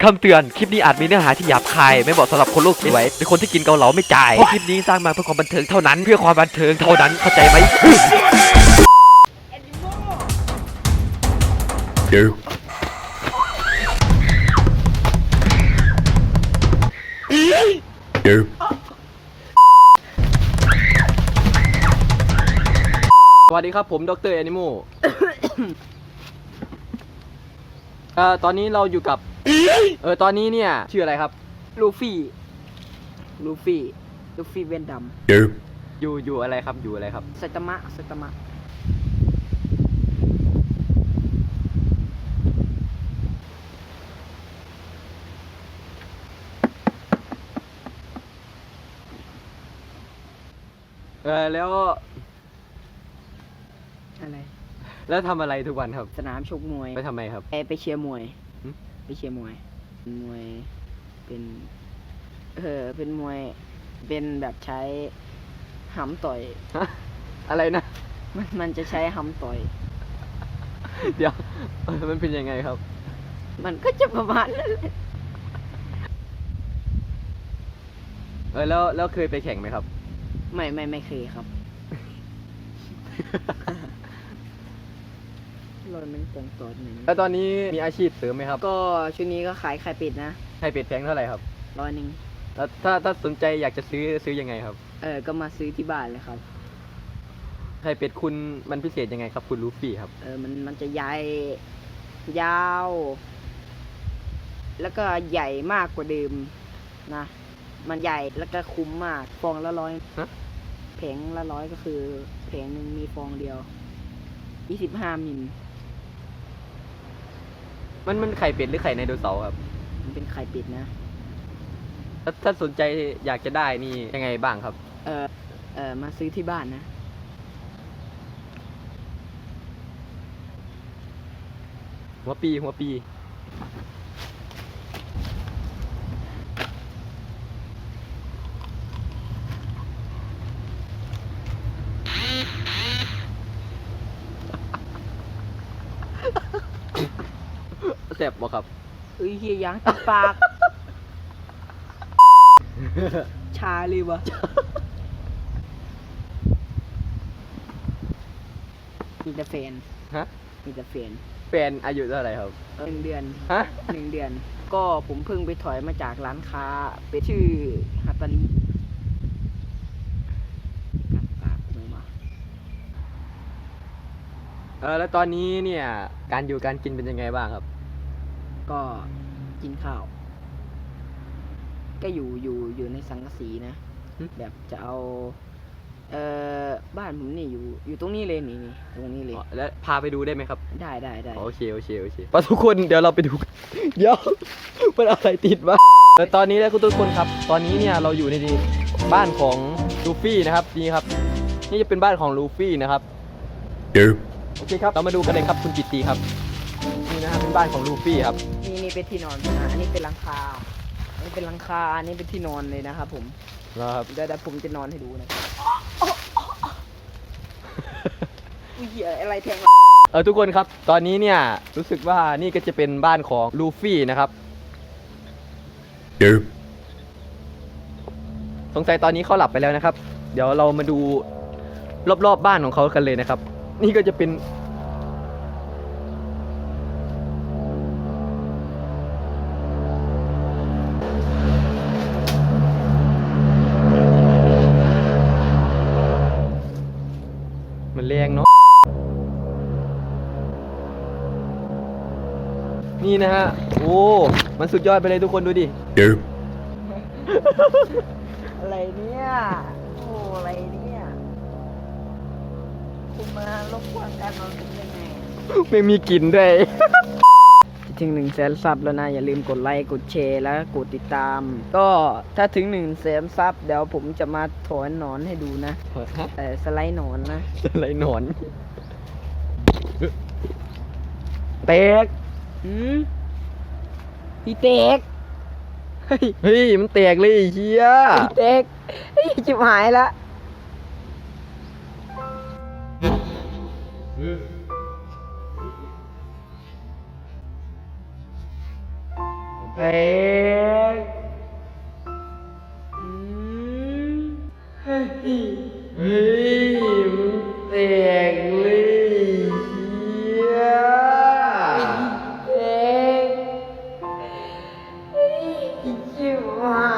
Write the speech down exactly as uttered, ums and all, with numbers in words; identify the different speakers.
Speaker 1: คำเตือนคลิปนี้อาจมีเนื้อหาที่หยาบคายไม่เหมาะสำหรับคนโลกสวยหรือคนที่กินเกาเหลาไม่จ่ายเพราะคลิปนี้สร้างมาเพื่อความบันเทิงเท่านั้นเพื่อความบันเทิงเท่านั้นเข้าใจไหม
Speaker 2: You. You.
Speaker 1: สวัสดีครับผมดรแอนิโม เอ่อตอนนี้เราอยู่กับเออตอนนี้เนี่ยชื่ออะไรครับ
Speaker 3: ลูฟี่ ลูฟี่ ลูฟี่เวนดัม
Speaker 2: You.
Speaker 1: อยู่อยู่อะไรครับอยู่อะไรครับ
Speaker 3: ไซตามะไซตามะ
Speaker 1: เออแล้ว
Speaker 3: อะไร
Speaker 1: แล้วทำอะไรทุกวันครับ
Speaker 3: สนามชกมวย
Speaker 1: ไปทำไมครับ
Speaker 3: ไปไปเชียร์มวย
Speaker 1: หึ
Speaker 3: ไปเชียร์มวย มวย เป็น เออ เป็นมวย เป็นแบบใช้หำต่อย
Speaker 1: ฮะอะไรนะ
Speaker 3: มันมันจะใช้หำต่อย
Speaker 1: เดี๋ยวเออมันเป็นยังไงครับ
Speaker 3: มันก็จะประมาณนั้นแหละ
Speaker 1: เออแล้วแล้วเคยไปแข่งไหมครับ
Speaker 3: ไม่ไม่ไม่เคยครับ รอยมันตรงตัวหนึ่ง
Speaker 1: แล้วตอนนี้มีอาชีพเสริมไหมครับ
Speaker 3: ก็ช่วงนี้ก็ขายไข่เป็ดนะ
Speaker 1: ไข่เป็ดแพงเท่าไหร่ครับ
Speaker 3: ร้อยหนึ่ง
Speaker 1: แล้วถ้าถ้าสนใจอยากจะซื้อซื้อยังไงครับ
Speaker 3: เออ ก็มาซื้อที่บ้านเลยครับ
Speaker 1: ไข่เป็ดคุณมันพิเศษยังไงครับคุณลูฟี่ครับ
Speaker 3: เออ มัน มันจะใหญ่ ยาว แล้วก็ใหญ่มากกว่าเดิมนะ มันใหญ่ แล้วก็คุ้มมาก ฟองละร้อย
Speaker 1: ฮะ
Speaker 3: แผงละร้อยก็คือแผงหนึ่งมีฟองเดียว ยี่สิบห้ามิล
Speaker 1: มันมันไข่เป็ดหรือไข่ไดโนเสาร์ครับ
Speaker 3: มันเป็นไข่เป็ดนะ
Speaker 1: ถ้าถ้าสนใจอยากจะได้นี่ยังไงบ้างครับ
Speaker 3: เออ เออ มาซื้อที่บ้านนะ
Speaker 1: หัวปีหัวปีแซ่บบ่ครับ
Speaker 3: เอ้ยเฮียยางติดปาก ชาเลยวะมีแต่แฟน
Speaker 1: ฮะ
Speaker 3: มีแต่แฟน
Speaker 1: แฟนอายุเท่าไหร่ครับ
Speaker 3: หนึ่งเดือน
Speaker 1: ฮะ
Speaker 3: หนึ่งเดือน ก็ผมเพิ่งไปถอยมาจากร้านค้า เป็นชื่อฮัตตาริกัดปากมือมา
Speaker 1: เออแล้วตอนนี้เนี่ยการอยู่การกินเป็นยังไงบ้างครับ
Speaker 3: ก็กินข้าว ก็อยู่อยู่อยู่ในสังกะสีนะ
Speaker 1: หึ
Speaker 3: แบบจะเอา เอ่อ บ้านผมนี่อยู่ อยู่ตรงนี้เลยนี่นี่ตรงนี้เลย
Speaker 1: อ๋อแล้วพาไปดูได้ไหมครับ
Speaker 3: ได้ได้ได้
Speaker 1: โอเคโอเคโอเคปะทุกคนเดี๋ยวเราไปดูกัน เดี๋ยว มันอะไรติดวะเออตอนนี้นะคุณทุกคนครับ ตอนนี้เนี่ยเราอยู่ในบ้านของลูฟี่นะครับนี่ครับ นี่จะเป็นบ้านของลูฟี่นะครับ
Speaker 2: You.
Speaker 1: โอเคครับเรามาดูกันเลยครับคุณจิตตีครับนี่นะครับเป็นบ้านของลูฟี่ครับ
Speaker 3: นี่นี่เป็นที่นอนนะอันนี้เป็นหลังคา อันนี้เป็นหลังคา อันนี้เป็นที่นอนเลยนะครับผม
Speaker 1: นะครับ
Speaker 3: เดี๋ยวเดี๋ยวผมจะนอนให้ดูนะอุ้ยเหี้ยอะไรแทงวะ
Speaker 1: เออทุกคนครับ ตอนนี้เนี่ยรู้สึกว่านี่ก็จะเป็นบ้านของลูฟี่นะครับ
Speaker 2: You.
Speaker 1: สงสัยตอนนี้เขาหลับไปแล้วนะครับ เดี๋ยวเรามาดูรอบๆบบ้านของเขากันเลยนะครับ นี่ก็จะเป็นมันแรงเนาะนี่นะฮะโอ้มันสุดยอดไปเลยทุกคนดูดิ
Speaker 2: You.
Speaker 3: อะไรเนี่ย โอ้อะไรเนี่ย คุณมารบกวนการนอนผมยังไง
Speaker 1: ไม่มีกลิ่นด้วย
Speaker 3: ถึงหนึ่งแสนซับแล้วนะ อย่าลืมกดไลค์กดแชร์แล้วกดติดตาม ก็ถ้าถึงหนึ่งแสนซับเดี๋ยวผมจะมาถอนหนอนให้ดูนะเออสไลด์หนอนนะ
Speaker 1: อะไรหนอนเตก
Speaker 3: หืมพี่เต็ก
Speaker 1: เฮ้ยเฮ้ยมันแตกเลยไอ้เฮีย
Speaker 3: พี่เต็กเฮ้ยจิบหายละเฮ้ยอืมเฮ้ยเฮ้ยมึงแตกเลยเฮียแตกเฮ้ยชิบหา